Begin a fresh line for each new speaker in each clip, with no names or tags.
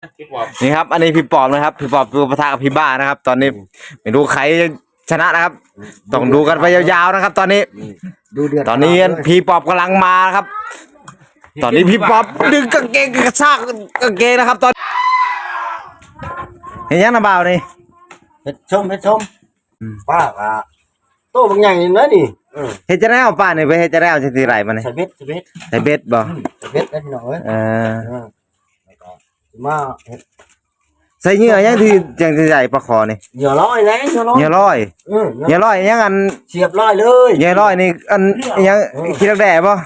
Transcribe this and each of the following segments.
นี่ครับอันนี้พี่ปอบนะครับพี่ปอบตัวปะทะกับพี่บ้านะครับ ตอนนี้ไม่รู้ใครชนะนะครับต้องดูกันไปยาวๆนะครับ ตอนนี้
ดูเดือด
ตอนนี้พี่ปอบกำลังมาครับ ตอนนี้พี่ปอบดึงกางเกงกระชากกางเกงนะครับ ตอนเห็นยังนะบ่าวนี่
เฮ็ดชมป้าอ่ะโตบางอย่างนี่นะนี่
เฮ็ดจะได้เอาป้านี่ไปเฮ็ดจะได้เอาจังซี่ไรมานี่
ใส่เบ็ด
ใส่เบ็ดบ่
ใส่เบ็ดได้พี่น้องเอ้ยแล้วก็มาเฮ็ด
ใส่เหยื่อยังที่จังสิใหญ่ปลาคอนี่
เหยื่อร้อยนะ
เหยื่อร้อยเหยื่อร้อยยังอัน
เสียบร้อยเลย
เหยื่อร้อยนี่อันยังคิดแด่บ่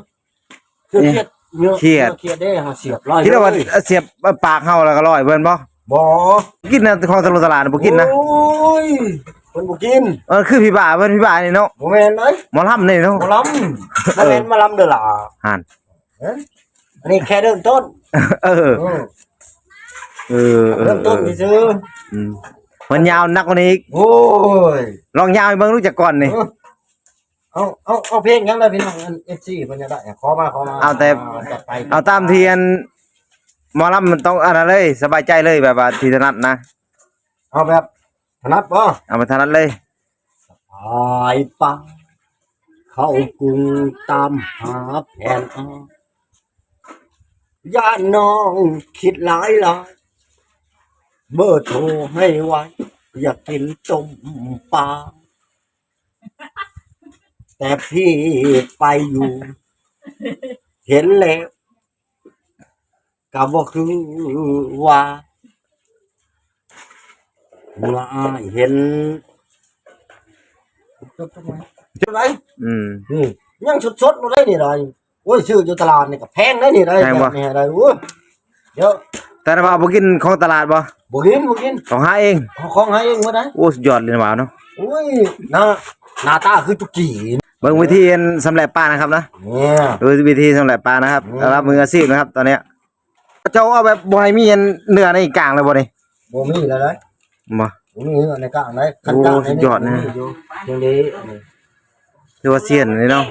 เครียดได้ฮะเสียบร้อย
คิดว่าเสียบปากเฮาแล้วก็ร้อยเบิ่นบ่กินนะของตลาดบ่กินนะ
โอ้ยเพิ่นบ่กิน
คือพี่บ้าเพิ่นพี่บ้านี่เนาะ
บ่แม่นเอ้ย
หมอลำนี่เนาะ
หมอลำบ่แม่นมาลำเด้อล่ะ
หั่น
อันนี้แค่เริ่มต้นเริ่มต้นซื่อ
มันยาวนักกว่านี้อีก
โอ้ย
ลองยาวให้เบิ่งรู้จักก่อนนี่
เอาเพลงยังได้พี่น้อง FC เพิ่นจะได้ขอมา
เอาแต่เอาตามที่อันหมอลำมันต้องอันนั้นเลยสบายใจเลยแบบว่าที่ถนัดนะ
เอาแบบถนัดบ่
เอามาถนัดเลย
สายป่าเข้ากรุงตามหาแผนย่าน้องคิดหลายเบอร์โทรให้ไว้อยากกินต้มปลาแต่พี่ไปอยู่เห็นแล้วก็บ่คือว่าเมื่อเห็นจบไหมยังสดๆมาได้นี่เลยโอ้ยซื้ออยู่ตลาดนี่ก็แพงได้นี่ได้นี่ได้โอ้ยเดี๋ยว
แต่ว่าบ่กินของตลาดบ่
กิน
ของหาเอง
ของหาเองบ่ได้
โอ้สุดยอดเลยนะบ่าวเนาะ
โอ้ยหน้าตาคือจุกจี
เบิ่งวิธีสำเร็จปลานะครับนะ
เนี่ย
ดูวิธีสำเร็จปลานะครับรับมืออาชีพนะครับตอนนี้เจ้าเอาแบบบ่ให้มีเนื้อในกลางเลยบ่นี่
บ่มีแล้วได้
บ่
มีเนื้อในกลางได้ขั้นกลาง
สุดยอดนะ
จังนี้
ดูว่าเสียนนี่เนาะ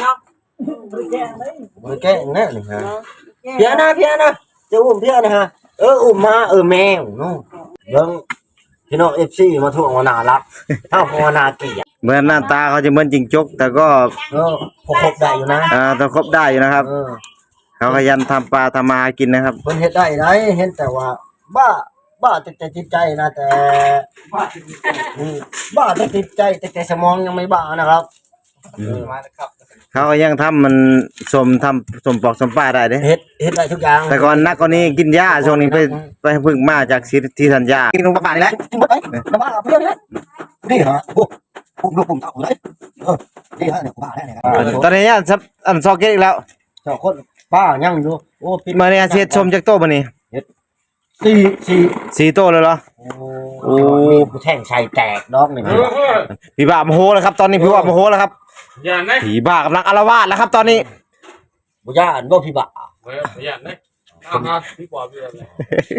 บ่แก้งแน่นี่ฮะเพียนะจะอุ้มเพียนะฮะอุ้มมาแมวเนาะเบิ่งพี่น้อง FC มาทั่วว่าน่ารักถ้าว่าน่าเกลียด
เหมือนหน้าตาเขาจะเหมือนจิงจกแต่ก็
พอครบได้อยู่นะ
ต้องครบได้อยู่นะครับเขาขยันทำปลาทำมากินนะครับ
เพิ่นเฮ็ดได้เห็นแต่ว่าบ้าแต่จิตใจนะแต่บ้าแต่จิตใจแต่สมองยังไม่บ้านะครับ
เขาก็ยังทำมันสมปอกสมปลาได้เด้
เฮ็ดได้ทุกอย่าง
แต่ก่อนนักกว่านี้กินยาช่วงนี้ไปพึ่งมาจากที่ธัญญากินลงปลานี่แหละ
บ้าเพื่อนนี่ฮะลูกผมเอาเลยนี่ฮะเนี่ยบ้าแน่
ตอนนี้อันซอกเก็ตอีกแล้ว
เจ้าคนบ้ายังอยู่โอ้
มาเนี่ยเสียชมจากโต๊ะมานี่4โต๊ะเลยเหรอ
โอ้แท่งใส่แตกดอกนี่
พี่บ้าโมโหแล้วครับตอนนี้พี่บ้าโมโหแล้วครับผีบ้ากำลังอาละวาดแล้วครับตอนนี้
บ่ย่านบ่พี่บ้า
ย่านนะพี่ปอบอยู่เลย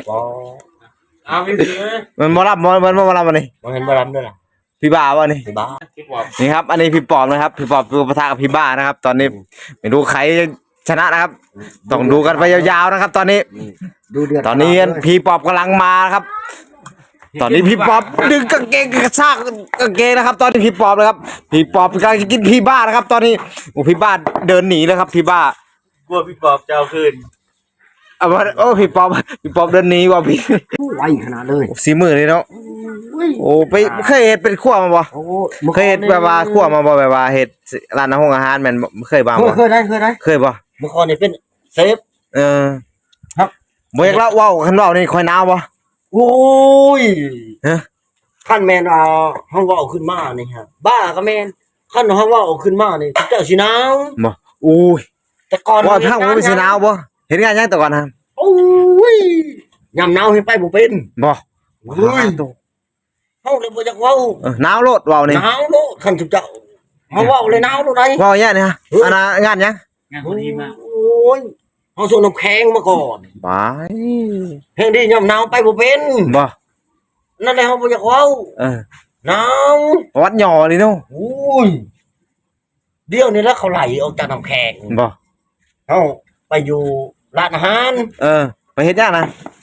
พี่
มันบ่รับมันนี่
มันเห็นบ่รับด้วยล่ะ
พี่บ้าวะนี่นี่ครับอันนี้พี่ปอบนะครับพี่ปอบตัวปะทะกับพี่บ้านะครับ ตอนนี้ไม่รู้ใครชนะนะครับต้องดูกันไปยาวๆนะครับ ตอนนี้
ดูเดือด
ตอนนี้พี่ปอบกำลังมาครับตอนนี้พี่ปอบดึงกางเกงกระชากกางเกงนะครับ ตอนนี้พี่ปอบนะครับพี่ปอบกำลังจะกินพี่บ้านะครับ ตอนนี้โอ้พี่บ้าเดินหนีแล้วครับพี่บ้าก
ลัวพี่ปอบจะเอาคืน
โอ้พี่ปอบเดินหนีว่ะพี่
ไวขนาดเลย
สีมือเลยเนาะโอ้ไปเคยเห็ดเป็นขั้วมาบ่เคยเห็ดแบบว่าขั้วมาบ่แบบว่าเห็ดร้านอาหารแม่นเคยบ้างบ่
เคยได้
เคยบ่
เมื่อก่อนนี่เป็นเซฟ
ครับบ่อยากเล่าว้าวคันว้าวนี่ค่อยหนาวบ่
โอ้ยท่านแมนเฮาเว้าขึ้นมานี่ฮะบ้าก็แม่นคันเฮาเว้าขึ้นมานี่เจ้าสิหนาว
บ่โอ้ย
แต่ก่อน
ว่าทางมันสิหนาวบ่เห็นงานยังแต่ก่อนนะ
โอ้ยยามหนาวเฮ็ดไปบ่เป็น
บ่
โอ้ยเฮาเลยบ่อยากเว้า
หนาวโลดเว้านี่
หนาวโลดคันเจ้าเฮาเว้าเลยหนาวโลดได้
เว้าแย่นี่ฮะอันน่ะงานยัง
งานพอดีมา
โอ้ยเฮาส่งน้ำแข็งมาก่อน
บาย
เพลงดียามหนาวไปบ่เป็น
บ่
นั่นแหละเฮาบ่อยากเว้าหนาว
วัดหย่อนี่เนาะ
โอ้ยเดี๋ยวนี้แล้วเขาไหลออกจากน้ำแข็ง
บ่
เฮาไปอยู่ร้านอาหาร
ไปเฮ็ดยังนะ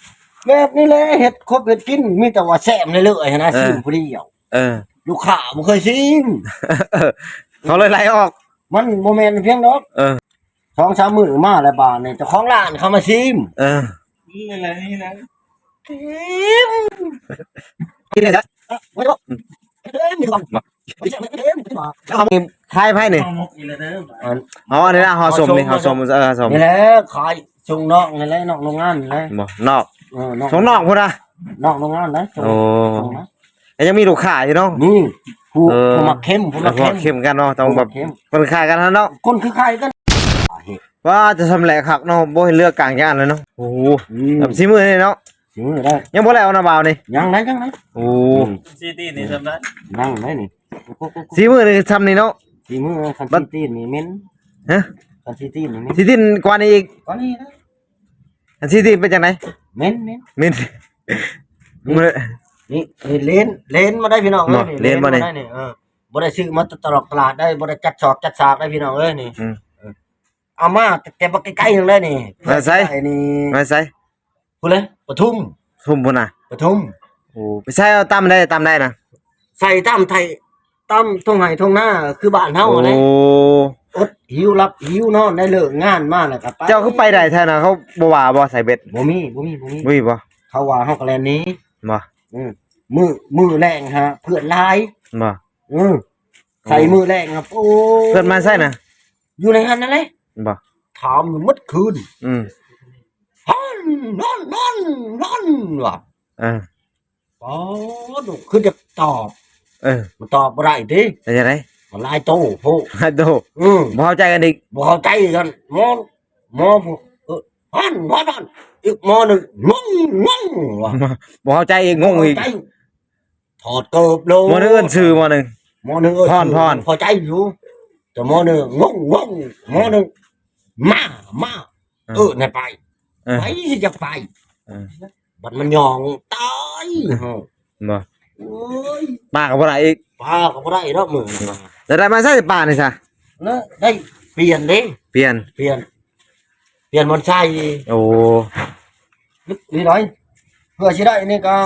แบบนี้แหละเฮ็ดครบเฮ็ดกินมีแต่ว่าแซ่บในเลยๆนะซิมผู้เดียว
เออ
ลูกค้าบ่เคยซิม
เขาเลยไล่ออก
มันบ่แม่นเพียงดอก
เออ
2-3 มื้อมาแล้วบาดนี่เจ้าของร้านเขามาซิม
เออ
นี่อะไรนี่นะ
ซิม
กินเลยจ้ะ
บ่ได้บอกเอ้ยมีความบ่ใช่เอ้ยมีความ
แล้วเขามีทายไพ่นี่
มกอีกแล้วเด้อ
อ๋ออันนี้นะหอสมนี่หอสมหอสม
นี่แหละขายส่งนอกนี่แหละนอกโรงงานนี่แหละ
บ่นอก
นอก
สองนอกพุ่นนะ
นอกโรงงานนะส่ง
โอ้
ส่งนะ
แล้วยังมีลูกค้าอยู่เนาะ
นี่ผู้
เออ
ผู้มักเข้มผู้
แล้
มั
ว
ก
ก็
เข้ม
เข้มกันเนาะต้องแบบ
เข้ม
คนขายกันเนาะ
คนคือใครกัน
ว่าจะทำแหลกคักเนาะบ่ให้เลือกกลางย่านเลยเนาะโอ้โหแบบสิมื้อนี่เนาะ
สิมือได้
ยังบ่แล้วนะบ่าวนี่
ยังไหนยังไหน
โอ้
ซีตี้นี่ทำได้
ยังไหนนี่
สิมื้อนี่ทำนี่เนาะ
สิมือคันซีตีนนี่เม้น
ฮะ
คันซีตีนนี่เม้น
สิดินกว่านี้อีก
ก็นี่นะ
อันสิดินเป็นจังได
เม้นเม้น
มินมื้อ
นี่เลนมาได้พี่น้อง
เนาะเลนมาได้
นี่บ่ได้ซื้อมาตลอดตลาดได้บ่ได้จัดสอบจัดฉากได้พี่น้องเอ้ยนี่
อืม
เอามาแต่บ่ใกล้ๆนึงเลยนี่
มาใส่
ไอ้นี่
มาใส่
พูดเลยปทุม
ทุ่มพุ่นน่ะ
ปทุม
โอ้ไปใส่เอาตำได้นะ
ใส่ตามไทยตามทงไห้ทงหน้าคือบ้านเฮา
โอ้
อะไรอดหิวรับหิวนอนได้เลิกงานมาแล้วก็
เจ้าคือไปได้แท้น่ะเขาบ่ว่าบ่ใส่เบ็ด
บ่มี
บ่มีบ่
เขาว่าเฮาก็แลนหนี้
บ่
มือแรงฮะเพื่อนหลาย
บ่
ใส่มือแรงครับโอ้
เพิ่นมาใส่น่ะ
อยู่ในหันนั่นแหละ
บ่
ถามอยู่หมดคืน
อืม
นอนว่ะ
เออ
อ๋อดูคือจะตอบ
เออ
มันตอบบ่ได้ติ
เป็นจังได
มันหลายโตโพ
ฮัลโหลบ่เข้าใจกันอีก
บ่เข้าใจกันหมอผู้นอนอีกหมอหนึงงงว่ะ
บ่เข้าใจอีกงงอีก
เข้าใจถอดเกิบโล
หมื้อนึงเอิ้นชื่อหมื้อนึง
หมอหนึงเอ้ย
พร
พอใจอยู่แต่หมอหนึงงงหมอหนึงมาในไป
เออ
ไปสิจะไป
เออ
บัดมันยองตายเฮา
บ่
โอ้ย
ป้าก็บ่ได้อีก
ป้าก็บ่ได้ดอกมื้อนี้
แล้วได้มาใส่ป้านี่ซะ
นะได้เปลี่ยนเด้
เปลี่ยน
เปลี่ยนมันใช่
โอ้
นี่น้อยเพื่อสิได้นี่ก็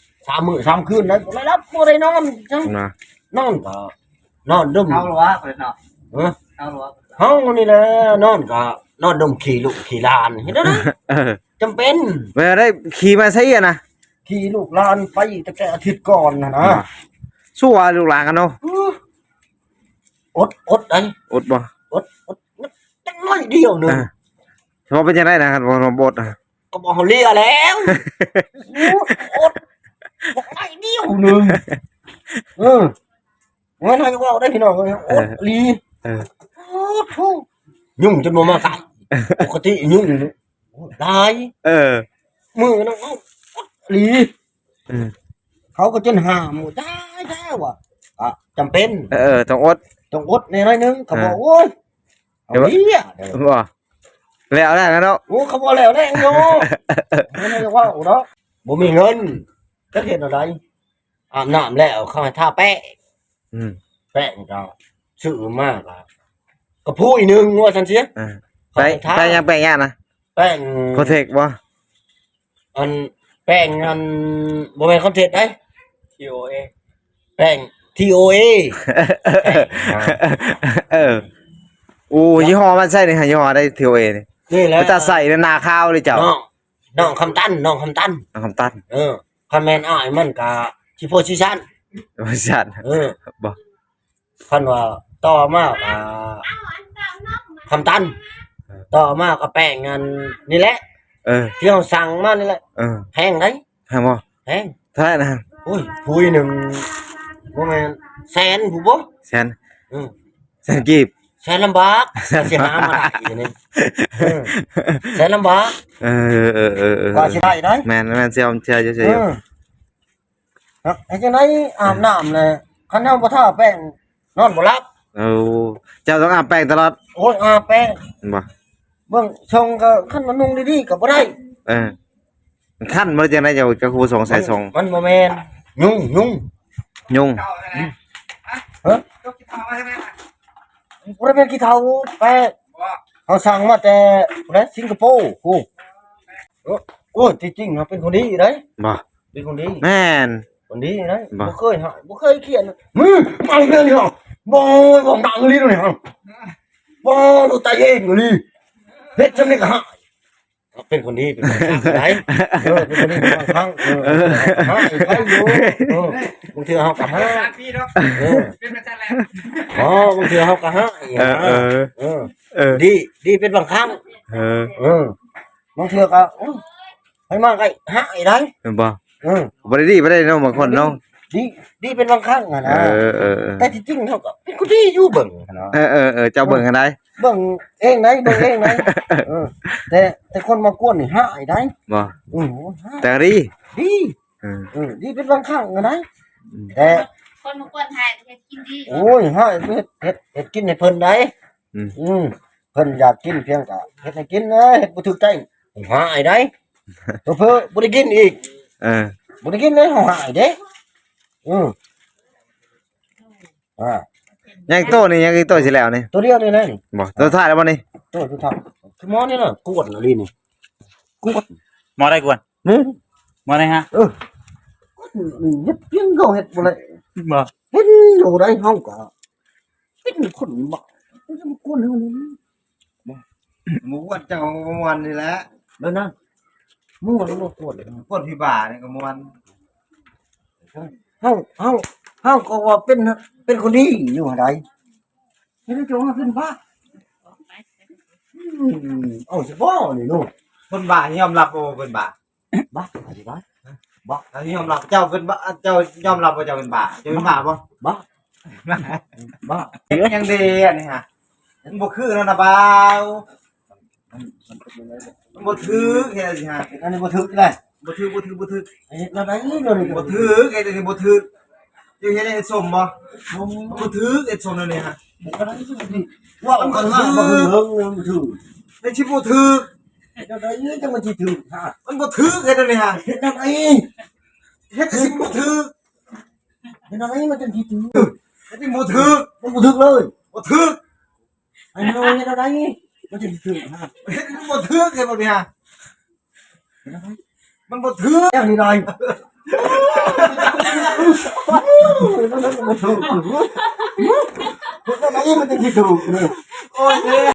3 มื้อ3 คืนนะบ่ได้รับบ่ได้นอนจัง
มา
นอนก็นอนดึม
เอาหรอวะเปิดเนาะ
เออ
เอาหรอวะ
เฮานี่แหละนอนก็นอนดมขี่ลูกขี่หลานเห็นแล้วนะ
เออ
จำเป็น
เวลาได้ขี่มาใส่อะนะ
ขี่ลูกหลานไปตั้งแต่อาทิตย์ก่อนนะ
สู้ว่าลูกหลานกันเนาะ
อดได้
อดบ่
อดจังน้อยเดียวหนึง
เออเพราะเป็นจังได๋นะครับบ่บดอะ
ก็บอกเขาเลียแล้วอดบอกน้อยเดียวหนึงงั้นให้ว่าได้พี่น้องอดลี
เออ
ยุ่งจนบ่มาตายปกติยุ่งตาย
เออ
มือน้องอดลี
เออ
เขาก็จนห้ามได้ว่ะจำเป็น
เออต้องอด
ต้องอดในน้อยนึงเขาบอกโอ้ยเอาเลีย
บ่แล้วได้แล้วเนาะ
โอ้เขาบอกแล้วแน่โยไม่ได้ว่าเนาะบ่มีเงินจะเห็นอะไรอาบน้ำแล้วเขาให้ทาแป้ง
อืม
แป้งก็ซื้อมากอ่ะก็พูดอีกนึงว่าฉันเสีย
เออไปยังไปย่านนะ
แป้ง
โคเทคบ่
อันแป้งอันบ่แม่นคอนเทนต์ได้
ทีโอเอ
แป้ง TOA
เออโอ้ยี่ห้อมันใช่นี่ฮะยี่ห้อได้ทีโอเอนี่
นี่แหละ
มันจะใส่ในนาข้าวเลยเจ้า
น้องคำตันน้องคำตัน
คำตัน
คันแม่นอ้ายมันก็สิโพสิชัน
บริษัทบ่
คันว่าต่อมากคำตันต่อมากก็แป้งอันนี่แหละ
เออ
ที่เราสั่งมานี่แหละ
เออ
แพงได้
แพงบ่
แพง
เท่าไหร่นะ
โอ้ยพุยหนึ่งบ่แม่นแสนผู้บ่
แสน
อือ
แสนกีบ
แสนลำบากสิหามาได้อยู่นี่แสนลำบาก
เออ
ก็สิได้ได้
แม่นเสียมเสียอยู่
ไอ้จังได๋อาบน้ำเลยคันเฮาบ่ทาแป้งนอนบ่หลับ
โอ้เจ้าต้องอาบแป้งตลอด
โอ้ยอาบแป้ง
บ่
เบิ่งช่องก็คันมันนุ่งดีๆก็บ่ได้
เออขั้นบ่จังได๋เจ้าจะครูส่งใส่ส่ง
มันบ่แม่นยุ่ง
ยุง
ฮะบ่ได้เป็นขี้เถ้าแป้งเขาสั่งมาแต่สิงคโปร์กูโอ้ที่จริงเขาเป็นคนดีได้
บ่
เป็นคนดี
แม่น
คนดีได้
บ่
บ่เคยหาบ่เคยเขียนมึงฟังเรื่องนี้หรอบ่บ่ดังเลยนี่ฮะบ่ดูตาเองอยู่นี่เฮ็ดจังได๋ก็หาเป็นคนดีเป็นคนได้เป็นคนดีบางครั้งหาอีกครั้งอยู่บางทีเฮาก็หา
พี่เนาะเป็นประจำแหละ
อ๋อบางทีเฮาก็หาอีก ดีเป็นบางครั้งบางเทื่อก็ให้มาก็หาอีกได้
บ่บ่ได้ดีบ่ได้เนาะบางคนเนาะ
ดีเป็นบางครั้งอ่ะนะ แต่ที่จริงเขาก็เป็นคนที่อยู่เบิ่งนะ
เจ้าเบิ่งกันได้
เบิ่งเองไหนเบิ่งเองไหนแต่คนมากวนนี่หายได้
บ่ แต่ดี
ดีดีเป็นบางครั้งอะนะแต่
คนมากวนไทยเฮ็ดกินดี
โอ้ยหายเฮ็ดกินให้เพิ่นได้เพิ่นอยากกินเพียงก็เฮ็ดให้กินนะเฮ็ดบ่ถูกใจหายได้เพิ่นบ่ได้กินอีกบ่ได้กินเลยหายเด้
ยังโตนี่ยังอีโตสิแล้วนี่
ตัวเดียวนี่นะนี่
บ่ตัวท้ายแล้วบ่นี่
ตัวสุดท้ายคือหมอนี่น่ะกวดน่ะลีนี่กวด
มอได้กวน
นี่
มอได้ฮะ
เฮ็ดเพียงเขาเฮ็ดบ่ได้
บ่
เฮ็ดอยู่ได้เฮาก็เป็นคนบ่เป็นคนเฮานี่
หมูวัดเจ้าก็ม่วนนี่แหละ
เด้อนะมึงบ่รู้กวด
คนพี่บ้านี่ก็ม่วน
เฮาก็ว่าเป็นคนดีอยู่หั่นใดเฮ็ดให้เจ้าว่าเป็นบ้าเอาสิบ่นี่ลูก
คนบ้ายอมรับบ่ว่าเป็นบ้า
บ้าสิบ้า
ถ้ายอมรับเจ้าเป็นบ้าเจ้ายอมรับว่าเจ้าเป็นบ้าเจ้าเป็นบ้าบ่
บ้าบ้า
ยังดีอันนี้ฮะมันบ่คือแล้วนะบ่าว มันบ่ถือเฮ็ดสิฮะ
อันนี้บ่ถึกเลย
บ่ถือ
เฮ็ดแล้วได้เดี๋ยวนี้ก็
บ่ถือเฮ็ดอันนี้บ่ถืออยู่เฮ็ดให้สมบ่บ่ถือเฮ็ดสมแล้วนี่ฮะ
ก็ได้สิว่ามันก็บ่ถึกบ่ถึก
ไอ้ที่บ่ถือ
เฮ็ดได้จังมันสิถึกฮะ
มันบ่ถือเฮ็ดอันนี้ฮะ
เฮ็ดได้
เฮ็ดสิบ่ถือ
เฮ็ดได้มันจังสิถึก
เฮ็ดที่บ่ถือ
มันบ่ถึกเลย
บ่ถือ
ไอ้น้องเฮ็ดได้มันจังสิถึกฮะ
เฮ็ดบ่ถือเฮ็ดบ่นี่ฮะมันบ่ถือ
อย่างนี้เลยมันบ่ถึกเฮ็ดได้มันจังสิถึกนี่
โอ้ย